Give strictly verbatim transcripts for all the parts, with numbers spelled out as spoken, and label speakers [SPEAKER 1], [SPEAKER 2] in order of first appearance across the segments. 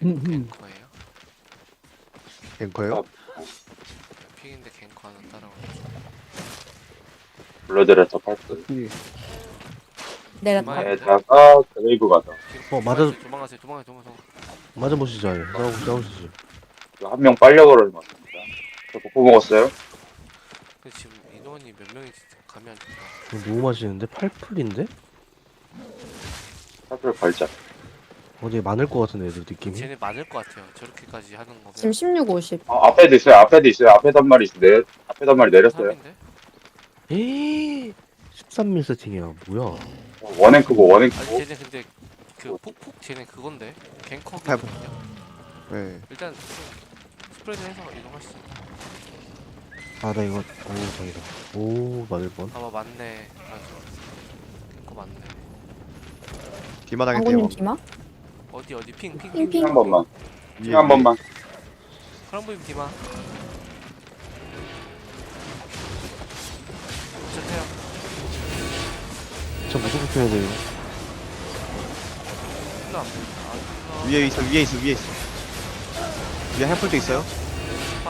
[SPEAKER 1] 갱커예요?
[SPEAKER 2] 앵커요?
[SPEAKER 1] 픽인데 갱커 하나 따라오고.
[SPEAKER 3] 블러드레터 팔 분.
[SPEAKER 4] 내렸다.
[SPEAKER 1] 네.
[SPEAKER 3] 에다가 드레이브 가자.
[SPEAKER 2] 어, 맞아.
[SPEAKER 1] 도망가세요. 도망가세요. 도망가세요.
[SPEAKER 2] 맞아보시죠. 아예. 싸우, 싸우시죠.
[SPEAKER 3] 한 명 빨려 걸을 것 같습니다. 저 복구 먹었어요?
[SPEAKER 1] 근데 지금 인원이 몇 명인지 감이 안 잡혀.
[SPEAKER 2] 이거 너무 맛있는데? 팔풀인데?
[SPEAKER 3] 사슬 걸자.
[SPEAKER 2] 어디 많을 것 같은데 애들 느낌이?
[SPEAKER 1] 쟤네 많을 것 같아요. 저렇게까지 하는 거면.
[SPEAKER 4] 지금 십육, 오십.
[SPEAKER 3] 어, 앞에도 있어요. 앞에도 있어요. 앞에도 한 마리 있어요. 내, 앞에도 한 마리 내렸어요.
[SPEAKER 1] 삼인데?
[SPEAKER 2] 에이 십삼 밀 세팅이야 뭐야.
[SPEAKER 3] 어, 원행 크고 원행
[SPEAKER 1] 아니
[SPEAKER 3] 크고.
[SPEAKER 1] 쟤네 근데 그 폭폭 쟤네 그건데
[SPEAKER 2] 팔-
[SPEAKER 1] 갱커거든요.
[SPEAKER 2] 네.
[SPEAKER 1] 일단 스프레드 해서 이동하시죠.
[SPEAKER 2] 아 나 이거 오 다행이다. 오 맞을 뻔.
[SPEAKER 1] 아마 맞네. 맞아. 갱커 맞네.
[SPEAKER 2] 뒷마당에
[SPEAKER 4] 방구님 디마?
[SPEAKER 1] 어디 어디 핑핑
[SPEAKER 4] 핑,
[SPEAKER 3] 핑
[SPEAKER 4] 핑.
[SPEAKER 3] 한 번만. 핑 한 번만.
[SPEAKER 1] 크럼보임 디마. 어쨌해요.
[SPEAKER 2] 저 무조건 펴야 돼요.
[SPEAKER 1] 힐러 안 보인다. 아, 힐러.
[SPEAKER 5] 위에 있어 위에 있어 위에 있어 위에 햄플도 있어요.
[SPEAKER 1] 파.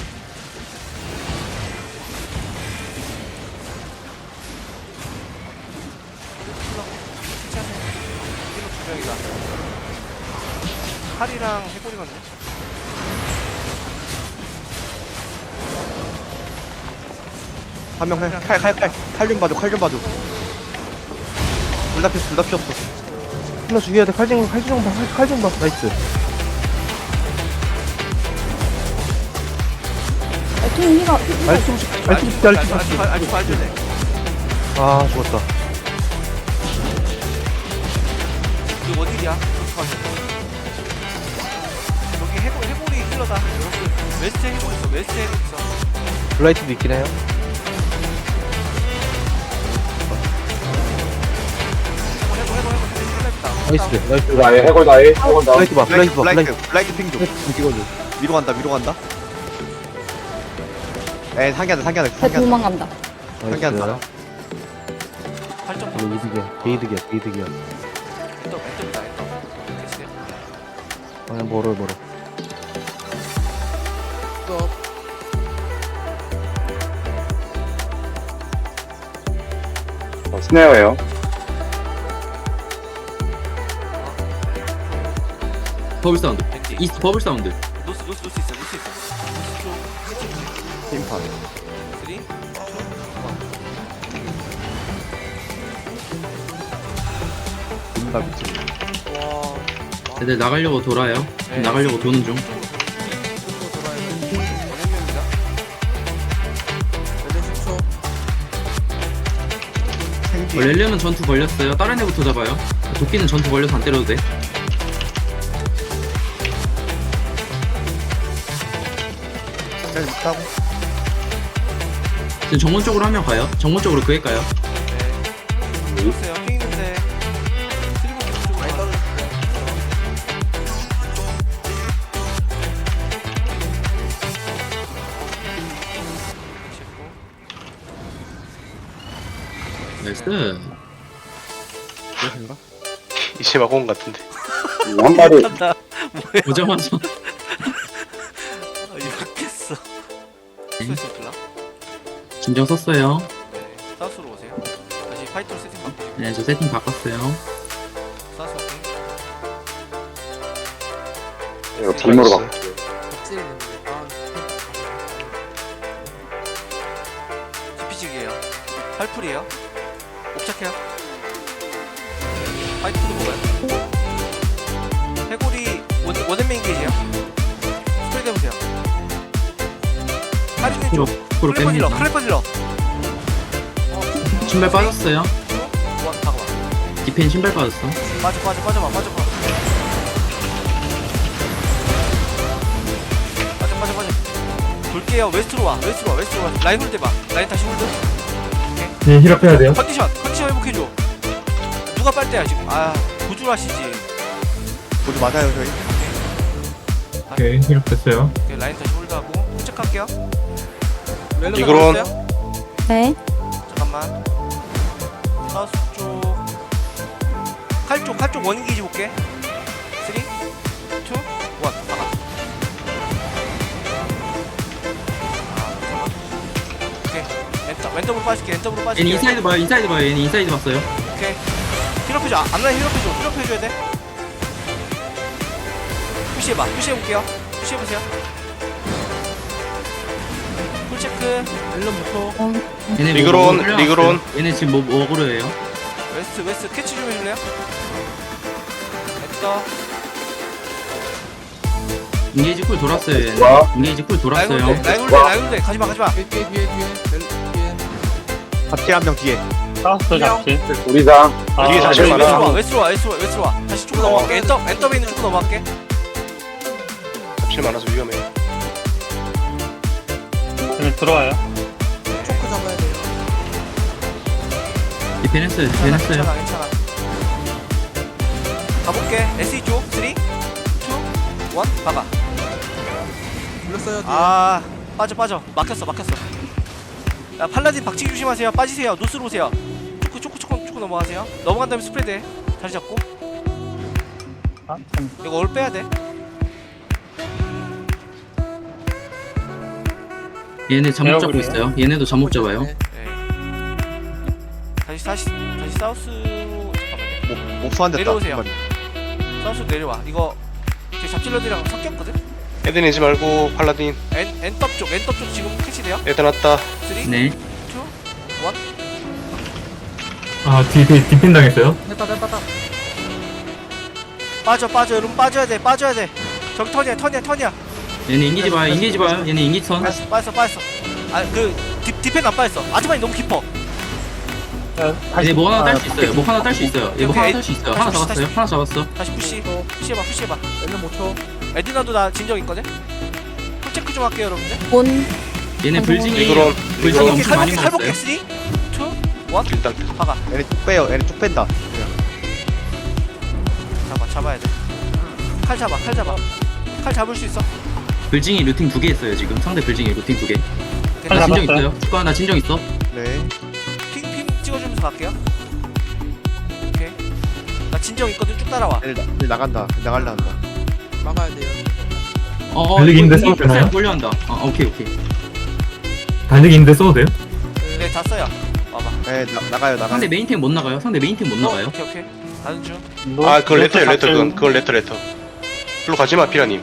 [SPEAKER 1] 힐러. 괜찮아요. 힐러 두 명이다. 칼이랑 해골이거든요.
[SPEAKER 5] 한 명 칼 칼 칼 칼 좀 봐줘 칼 좀 봐줘. 둘 다 피었어 둘 다 피었어.
[SPEAKER 2] 하나 죽여야 돼. 칼좀 칼좀 봐. 칼좀 봐. 나이스.
[SPEAKER 4] 아, 핑 휘가, 휘가.
[SPEAKER 2] 말투 말투
[SPEAKER 1] 아직
[SPEAKER 2] 말투
[SPEAKER 1] 아직
[SPEAKER 2] 말투.
[SPEAKER 1] 아직 아직 봐주네.
[SPEAKER 2] 아 죽었다.
[SPEAKER 1] 그 어디야? 여기 해골 해골이 힐러다. 여러분 웨스트 해골 있어. 웨스트 해골 있어.
[SPEAKER 2] 블라이트도 있긴 해요.
[SPEAKER 1] 해골 해골 해골 해골 힐러다.
[SPEAKER 2] 나이스 나이스.
[SPEAKER 3] 나의 해골 나의 해골 나.
[SPEAKER 2] 블라이트 봐. 블라이트 봐. 블라이트.
[SPEAKER 5] 블라이트 블라이트 핑좀
[SPEAKER 2] 좀 찍어줘.
[SPEAKER 5] 위로 간다 위로 간다. 에 상기한다 상기한다
[SPEAKER 4] 쟤
[SPEAKER 5] 상기한다
[SPEAKER 4] 도망간다.
[SPEAKER 5] 상기한다.
[SPEAKER 1] 팔 점
[SPEAKER 2] 이거 이득이야. 게이득이야. 게이득이야.
[SPEAKER 1] 또 멘트다 했다. 됐어요.
[SPEAKER 2] 아 멀어 멀어.
[SPEAKER 3] 어, 스네어예요.
[SPEAKER 6] 버블 사운드.
[SPEAKER 1] 벤지.
[SPEAKER 6] 이스트 버블 사운드.
[SPEAKER 1] 노스 노스 노스 있어. 노스 있어. 노스 쪽.
[SPEAKER 5] 팀판
[SPEAKER 1] 쓰리.
[SPEAKER 5] 인다 미치.
[SPEAKER 1] 와.
[SPEAKER 6] 애들 나가려고 돌아요.
[SPEAKER 1] 네.
[SPEAKER 6] 나가려고 도는 중.
[SPEAKER 1] 이쪽으로 돌아야 돼. 원행명입니다. 원행 십 초.
[SPEAKER 5] 생기
[SPEAKER 6] 어, 렐리언은 전투 걸렸어요. 다른 애부터 잡아요. 도끼는 전투 걸려서 안 때려도 돼.
[SPEAKER 5] 잘 있다고.
[SPEAKER 6] 지금 정문 쪽으로 한 명 가요. 정문 쪽으로 그애 가요.
[SPEAKER 1] 네. 있어요. 핑 있는데. 트리블 좀 많이 떨어졌어요.
[SPEAKER 6] 나이스.
[SPEAKER 5] 그것인가?
[SPEAKER 7] 이제 막온 같은데.
[SPEAKER 3] 한 마리.
[SPEAKER 1] 한다. 뭐야?
[SPEAKER 6] 오자마자.
[SPEAKER 1] 아, 이렇겠어. 수있어 플라?
[SPEAKER 6] 진정 썼어요.
[SPEAKER 1] 네. 사우스로 오세요. 다시 파이터 세팅 바꾸시고.
[SPEAKER 6] 네, 저 세팅 바꿨어요.
[SPEAKER 1] 사우스 오케이.
[SPEAKER 3] 이거 빔으로 바.
[SPEAKER 1] 지피직이에요. 팔풀이에요. 옵착해요. 파이트도 먹어요. 해골이 원, 원앤메인 게이지야. 스프레드 해보세요. 할인해
[SPEAKER 6] 프로,
[SPEAKER 1] 줘.
[SPEAKER 6] 프로
[SPEAKER 1] 클레퍼 질러.
[SPEAKER 6] 뺍니다.
[SPEAKER 1] 클레퍼 질러.
[SPEAKER 6] 신발 빠졌어요.
[SPEAKER 1] 와, 잠깐만.
[SPEAKER 6] 디펜 신발 빠졌어.
[SPEAKER 1] 빠져, 빠져, 빠져봐, 빠져, 빠져. 빠져, 빠져, 빠져. 돌게요. 웨스트로 와, 웨스트로 와, 웨스트로 와. 라인 홀드 봐. 라인 다시 홀드.
[SPEAKER 8] 네, 힐업해야 돼요.
[SPEAKER 1] 컨디션, 컨디션 회복해줘. 누가 빨대야 지금? 아, 구줄하시지.
[SPEAKER 5] 모두 맞아요 저희.
[SPEAKER 8] 오케이, 힐업됐어요.
[SPEAKER 1] 오케이, 라인 다시 홀드하고 도착할게요. 멜로디
[SPEAKER 7] 이그론.
[SPEAKER 1] 나왔어요?
[SPEAKER 4] 네.
[SPEAKER 1] 잠깐만. 사우스 쪽. 칼 쪽, 칼 쪽 원인 게이지 볼게. 쓰리, 투, 왼쪽으로 빠질게. 왼쪽으로
[SPEAKER 6] 얘네
[SPEAKER 1] 빠질게.
[SPEAKER 6] 인사이드 봐요 인사이드 봐요 얘네 인사이드 봤어요.
[SPEAKER 1] 오케이. 힐업해줘. 앞라인 힐업해줘. 힐업해줘야 돼. 푸시해봐. 푸시해볼게요. 푸시해보세요. 풀체크.
[SPEAKER 4] 어,
[SPEAKER 6] 얘네
[SPEAKER 7] 리그론,
[SPEAKER 6] 뭐 끌려왔어요.
[SPEAKER 7] 리그론.
[SPEAKER 6] 얘네 지금 뭐 먹으러 해요.
[SPEAKER 1] 웨스트 웨스트 캐치 좀 해줄래요? 됐다.
[SPEAKER 6] 인게이지 쿨 돌았어요 얘네.
[SPEAKER 3] 와.
[SPEAKER 6] 인게이지 쿨 돌았어요.
[SPEAKER 1] 라이브대 라이브대 라이브대 가지마 가지마.
[SPEAKER 5] 잡질 한 명 뒤에.
[SPEAKER 8] 사우스 잡지.
[SPEAKER 3] 우리상.
[SPEAKER 7] 뒤에 다시
[SPEAKER 1] 웨스트로 와
[SPEAKER 7] 많아.
[SPEAKER 1] 웨스트로 와 웨스트로 와 웨스트로 와. 다시 쭉 넘어갈게. 엔터 엔터에 있는 쭉 넘어갈게.
[SPEAKER 7] 잡실 많아서 위험해.
[SPEAKER 8] 그냥 들어와요.
[SPEAKER 6] 디펜했어요
[SPEAKER 1] 괜찮아
[SPEAKER 6] 디펜했어요.
[SPEAKER 1] 괜찮아 괜찮아. 가볼게. 에스이 쪽 삼, 이, 일 박아. 아 빠져 빠져. 막혔어 막혔어. 야 팔라딘 박치기 조심하세요. 빠지세요. 노스로 오세요. 초크 초크 초크 초크 넘어가세요. 넘어간 다음에 스프레드 해. 자리 잡고.
[SPEAKER 8] 아, 참.
[SPEAKER 1] 이거 올 빼야 돼.
[SPEAKER 6] 얘네 잠못 잡고
[SPEAKER 8] 에어그래요?
[SPEAKER 6] 있어요. 얘네도 잠못 잡아요.
[SPEAKER 1] 네. 다시 다시 다시 사우스로 잠깐만요.
[SPEAKER 5] 못 소환됐다.
[SPEAKER 1] 내려오세요.
[SPEAKER 5] 한 마리.
[SPEAKER 1] 사우스 내려와. 이거 제 잡질러들이랑 섞였거든.
[SPEAKER 7] 애들 내지 말고 팔라딘.
[SPEAKER 1] 엔 엔떡 쪽 엔떡 쪽 지금 캐치돼요.
[SPEAKER 7] 애들 왔다.
[SPEAKER 1] 삼, 이, 일
[SPEAKER 6] 네.
[SPEAKER 8] 아, 뒤, 뒤, 디펜 당했어요.
[SPEAKER 1] 빠져 빠져 여러분 빠져야 돼 빠져야 돼. 저기 턴이야 턴이야 턴이야.
[SPEAKER 6] 얘네 인게이지 봐요 인게이지 봐요. 얘네 인게이지 선.
[SPEAKER 1] 빠졌어 빠졌어 빠졌어. 아그 디펜 안 빠졌어. 아즈만이 너무 깊어.
[SPEAKER 6] 얘네 뭐 하나 딸 수 있어요. 뭐 하나 딸 수 있어요. 얘 뭐
[SPEAKER 1] 오케이,
[SPEAKER 6] 하나 딸 수 있어요. 하나
[SPEAKER 1] 다시,
[SPEAKER 6] 잡았어요.
[SPEAKER 1] 다시.
[SPEAKER 6] 하나 잡았어.
[SPEAKER 1] 다시 푸시 푸시해봐 푸시해봐. 얘는 못 쳐. 에디나도 나 진정 있거든. 풀 체크 좀 할게요 여러분들.
[SPEAKER 4] 본.
[SPEAKER 6] 얘네 불징이
[SPEAKER 7] 리그론.
[SPEAKER 6] 불징이
[SPEAKER 7] 리그론.
[SPEAKER 6] 엄청 많이
[SPEAKER 1] 칼복기 칼복기
[SPEAKER 6] 먹었어요.
[SPEAKER 1] 삼, 이, 일
[SPEAKER 7] 일단
[SPEAKER 1] 박아.
[SPEAKER 5] 얘네 쭉 빼요. 얘네 쭉 뺀다. 그냥.
[SPEAKER 1] 잡아 잡아야 돼. 칼 잡아 칼 잡아. 칼 잡을 수 있어.
[SPEAKER 6] 불징이 루팅 두 개 있어요 지금. 상대 불징이 루팅 두 개.
[SPEAKER 1] 오케이,
[SPEAKER 6] 나
[SPEAKER 8] 아,
[SPEAKER 6] 진정
[SPEAKER 8] 잡았어요.
[SPEAKER 6] 있어요. 축구야 나 진정 있어.
[SPEAKER 5] 네.
[SPEAKER 1] 핑핑 찍어주면서 갈게요. 오케이. 나 진정 있거든. 쭉 따라와.
[SPEAKER 5] 얘네, 나, 얘네 나간다. 나갈라 한다.
[SPEAKER 6] 어,
[SPEAKER 8] 달리기인데
[SPEAKER 6] 이거
[SPEAKER 8] 써도 되나요?
[SPEAKER 6] 몰려 한다. 아, 오케이, 오케이.
[SPEAKER 8] 달리기인데 써도 돼요?
[SPEAKER 1] 네, 다 써요. 와봐.
[SPEAKER 5] 네, 나, 나가요, 나가요.
[SPEAKER 6] 상대 메인템 못 나가요. 상대 메인템 못 나가요.
[SPEAKER 1] 오케이, 오케이. 가는 중.
[SPEAKER 7] 아 그걸 레터예요 레터 그건 그걸 레터 레터. 글로 가지마 피라님.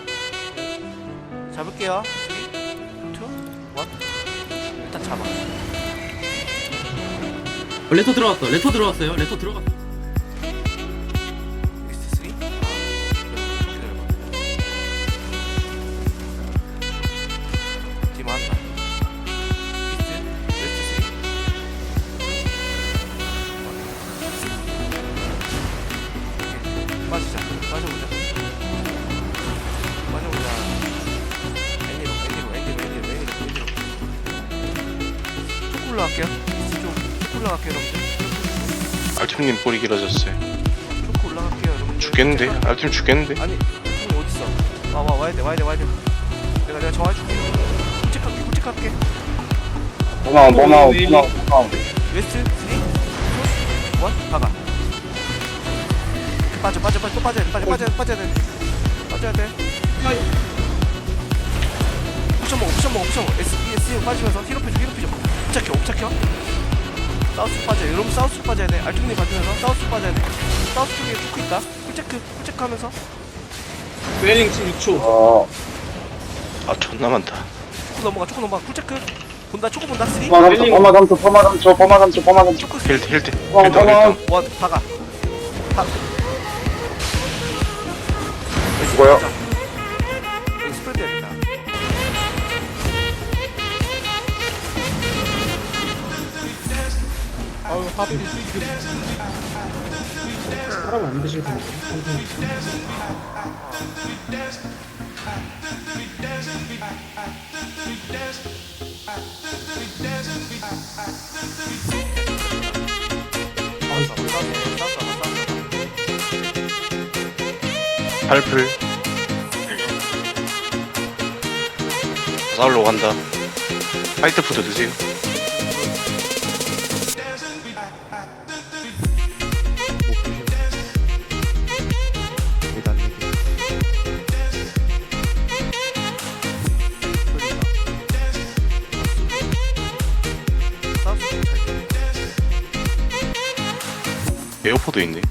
[SPEAKER 1] 잡을게요. 삼, 이, 일 일단 잡아.
[SPEAKER 6] 어, 레터 들어왔어. 레터 들어왔어요. 레터 들어갔어.
[SPEAKER 1] 웨스트 삼. 아, 기다려봐. 팀 한다. 이스트, 웨스트 삼. 오케이. 빠지자. 빠져보자. 빠져보자. 애니로, 애니로, 애니로, 애니로, 애니로, 애니로. 쭉 올라갈게요. 이스트 쪽. 쭉 올라갈게요, 여러분들.
[SPEAKER 7] 알팀님 볼이 길어졌어요.
[SPEAKER 1] 쭉 올라갈게요, 여러분들.
[SPEAKER 7] 죽겠는데? 알팀 죽겠는데?
[SPEAKER 1] 아니, 형이 어딨어? 와, 와, 와야 돼, 와야 돼, 와야 돼. 내가, 내가 정해줄게. 꿀찍할게, 꿀찍할게.
[SPEAKER 3] 고마워, 고마워, 고마워, 고마워.
[SPEAKER 1] 웨스트, 삼, 이, 일, 박아. 빠져, 빠져, 빠져, 또 빠져야 돼, 빠져, 빠져, 빠져야 돼. 빠져야 돼. 옵션 먹어, 옵션 먹어, 옵션 먹어. S, E, S 빠지면서 힐업 해줘, 힐업 해줘. 옵착혀, 옵착혀. 사우스 빠져요. 여러분 사우스 빠져야 돼. 알통님 봐주면서 사우스 빠져야 돼. 사우스 쪽에 초크 있다. 풀체크, 풀체크 하면서.
[SPEAKER 3] 어,
[SPEAKER 7] 아 존나 많다.
[SPEAKER 1] 초크 넘어가, 초크 넘어가. 풀체크. 본다, 초크 본다. 쓰리.
[SPEAKER 3] 포마 삼 초, 포마 삼 초, 포마 삼 초, 포마 삼 초, 포마 삼 초.
[SPEAKER 1] 초크 쓰리.
[SPEAKER 7] 힐트 힐트
[SPEAKER 3] 고마워,
[SPEAKER 7] 힐트
[SPEAKER 3] 고마워.
[SPEAKER 7] 힐트.
[SPEAKER 1] 원, 박아. 박.
[SPEAKER 3] 죽어요.
[SPEAKER 1] 여기 스프레드 해야겠다.
[SPEAKER 7] 발풀. 사울로 간다. 화이트 푸드 드세요.
[SPEAKER 5] 일단 이렇게.
[SPEAKER 7] 버퍼도 있네.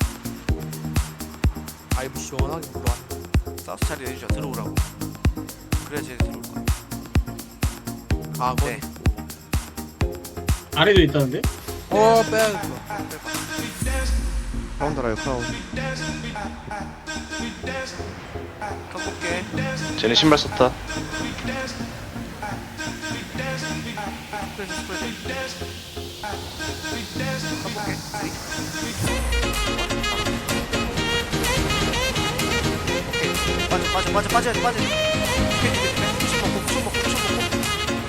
[SPEAKER 1] 아이브 시원하게 들어와. 사우스 자리 내주자 들어오라고. 그래야 쟤네 들어올 거야. 아, 네.
[SPEAKER 8] 아래도 있다는데?
[SPEAKER 1] 어, 빼야
[SPEAKER 5] 크라운 달아요 크라운.
[SPEAKER 1] 깎을게.
[SPEAKER 7] 쟤네 신발 썼다.
[SPEAKER 1] 스프레드, 스프레드. 깎을게. 오케이. 빠져, 빠져, 빠져, 빠져야 돼, 빠져야 돼. 오케이, 오케이, 오케이. 쿠션 먹고, 쿠션 먹고, 쿠션 먹고.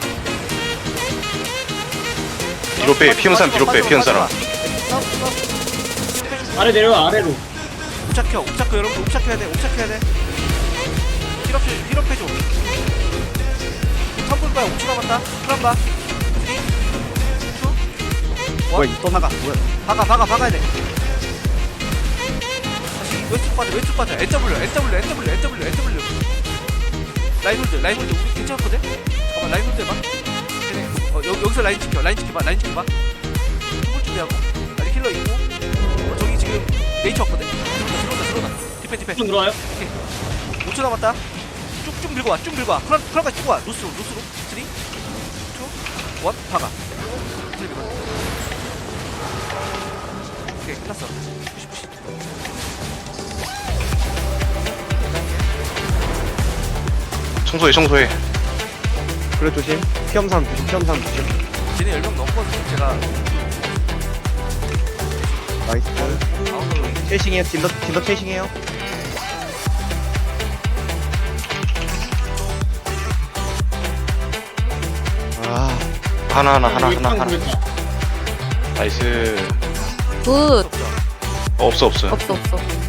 [SPEAKER 7] 뒤로 빼. 피운 사람 뒤로 빼. 피운 사람.
[SPEAKER 1] 사우스, 사우스.
[SPEAKER 8] 아래 내려와, 아래로.
[SPEAKER 1] 옵착혀, 옵착혀, 여러분 옵착해야 돼, 옵착해야 돼. 힐업, 힐업 해줘. 삼분 봐요, 오 초 남았다. 프람 봐. 삼, 이,
[SPEAKER 5] 뭐야
[SPEAKER 1] 일.
[SPEAKER 5] 이 떠나가 뭐야?
[SPEAKER 1] 박아, 박아, 박아야 돼. 다시 왼쪽 빠져, 왼쪽 빠져. N W, N W, N W, N W, N W. 라인 홀드, 라인 홀드. 우리 괜찮거든? 잠깐만, 라인 홀드 해봐. 걔네, 어, 여, 여기서 라인 지켜, 라인 지켜봐, 라인 지켜봐. 홀 준비하고. 아직 힐러 있고. 어, 저기 지금 네이처 왔거든? 들어온다, 들어온다, 들어온다. 디펜, 디펜.
[SPEAKER 8] 좀 들어와요?
[SPEAKER 1] 오 초 남았다. 쭉쭉 밀고 와, 쭉 밀고 와. 프란, 프란까지 쭉 와. 루스로, 루스로. 삼, 이, 일, 박아. 클립 이거. 오케이, 끝났어. 푸시, 푸시.
[SPEAKER 7] 청소해 청소해.
[SPEAKER 5] 그래 조심. 피험 사람 조심. 피험 사람 조심.
[SPEAKER 1] 쟤네 열 명 넘거든요. 제가
[SPEAKER 5] 나이스.
[SPEAKER 1] 아웃으로
[SPEAKER 5] 체이싱해. 딜러 딜러 체이싱해요. 아
[SPEAKER 7] 하나 하나 하나 하나 하나. 나이스.
[SPEAKER 4] 굿.
[SPEAKER 7] 어, 없어 없어.
[SPEAKER 4] 없어, 없어.